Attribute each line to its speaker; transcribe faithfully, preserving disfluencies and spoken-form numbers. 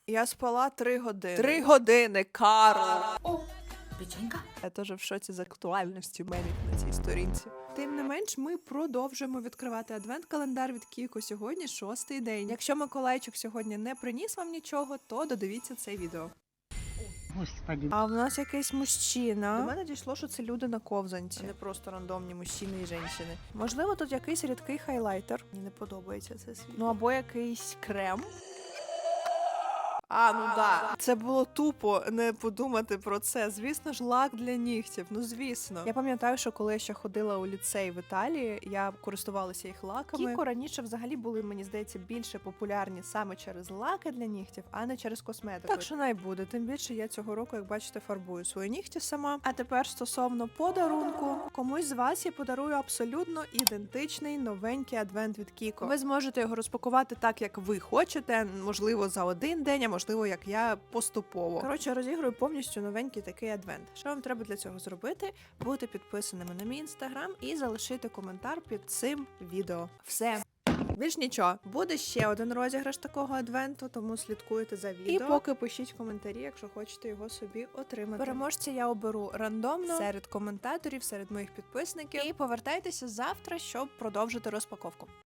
Speaker 1: Я спала три години. Три години, Карл!
Speaker 2: О, печенька?
Speaker 1: Я теж в шоці з актуальності мемів на цій сторінці. Тим не менш, ми продовжуємо відкривати адвент-календар від Кіко. Сьогодні шостий день. Якщо Миколайчик сьогодні не приніс вам нічого, то додивіться це відео.
Speaker 2: Господи.
Speaker 1: А в нас якийсь мужчина. До мене дійшло, що це люди на ковзанці, а не просто рандомні мужчини і жінки. Можливо, тут якийсь рідкий хайлайтер. Мені не подобається це світ. Ну або якийсь крем. А, ну да. Це було тупо не подумати про це. Звісно ж, лак для нігтів. Ну, звісно. Я пам'ятаю, що коли я ще ходила у ліцей в Італії, я користувалася їх лаками. Кіко раніше взагалі були, мені здається, більше популярні саме через лаки для нігтів, а не через косметику. Так що най буде. Тим більше я цього року, як бачите, фарбую свої нігті сама. А тепер стосовно подарунку. Комусь з вас я подарую абсолютно ідентичний новенький адвент від Кіко. Ви зможете його розпакувати так, як ви хочете, можливо, за один день, а можливо, як я, поступово. Коротше, розіграю повністю новенький такий адвент. Що вам треба для цього зробити? Бути підписаними на мій інстаграм і залишити коментар під цим відео. Все. Більш нічого. Буде ще один розіграш такого адвенту, тому слідкуйте за відео. І поки пишіть коментарі, якщо хочете його собі отримати. Переможця я оберу рандомно серед коментаторів, серед моїх підписників. І повертайтеся завтра, щоб продовжити розпаковку.